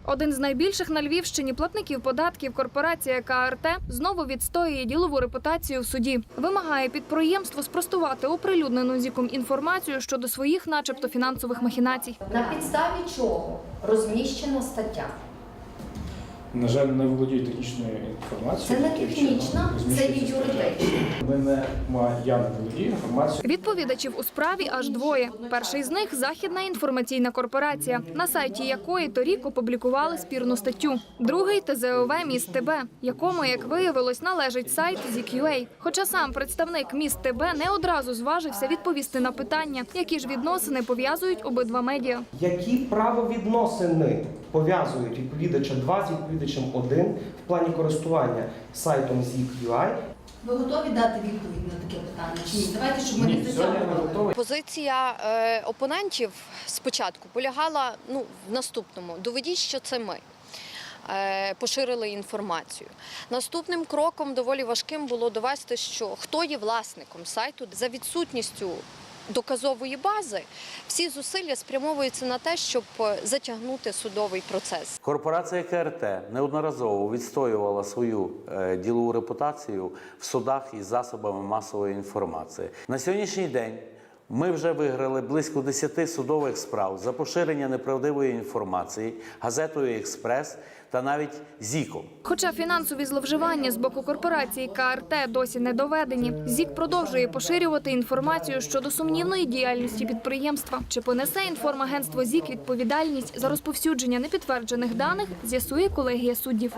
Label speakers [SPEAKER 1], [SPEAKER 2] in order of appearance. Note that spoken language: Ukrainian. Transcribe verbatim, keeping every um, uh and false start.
[SPEAKER 1] Один з найбільших на Львівщині платників податків корпорація К Р Т знову відстоює ділову репутацію в суді. Вимагає підприємство спростувати оприлюднену зіком інформацію щодо своїх начебто фінансових махінацій.
[SPEAKER 2] На підставі чого розміщена стаття?
[SPEAKER 3] На жаль, не володію технічною інформацією.
[SPEAKER 2] Це не технічна, це і юридична.
[SPEAKER 3] Ми не, я не володію інформацією.
[SPEAKER 1] Відповідачів у справі аж двоє. Перший з них – Західна інформаційна корпорація, на сайті якої торік опублікували спірну статтю. Другий – Т З О В «Міст Т Б», якому, як виявилось, належить сайт Зік.ю.А. Хоча сам представник «Міст Т Б» не одразу зважився відповісти на питання, які ж відносини пов'язують обидва медіа.
[SPEAKER 4] Які правовідносини пов'язують відповідача два з відповідачем один в плані користування сайтом Зік.ю.А?
[SPEAKER 2] Ви готові дати відповідь на таке питання? Чи ні? Давайте, щоб ми не затягували.
[SPEAKER 5] Позиція е, опонентів спочатку полягала ну, в наступному. Доведіть, що це ми е, поширили інформацію. Наступним кроком доволі важким було довести, що хто є власником сайту. За відсутністю доказової бази всі зусилля спрямовуються на те, щоб затягнути судовий процес.
[SPEAKER 6] Корпорація К Р Т неодноразово відстоювала свою е, ділову репутацію в судах із засобами масової інформації. На сьогоднішній день ми вже виграли близько десяти судових справ за поширення неправдивої інформації газетою «Експрес» та навіть Зіком.
[SPEAKER 1] Хоча фінансові зловживання з боку корпорації К Р Т досі не доведені, Зік продовжує поширювати інформацію щодо сумнівної діяльності підприємства. Чи понесе інформагентство Зік відповідальність за розповсюдження непідтверджених даних, з'ясує колегія суддів.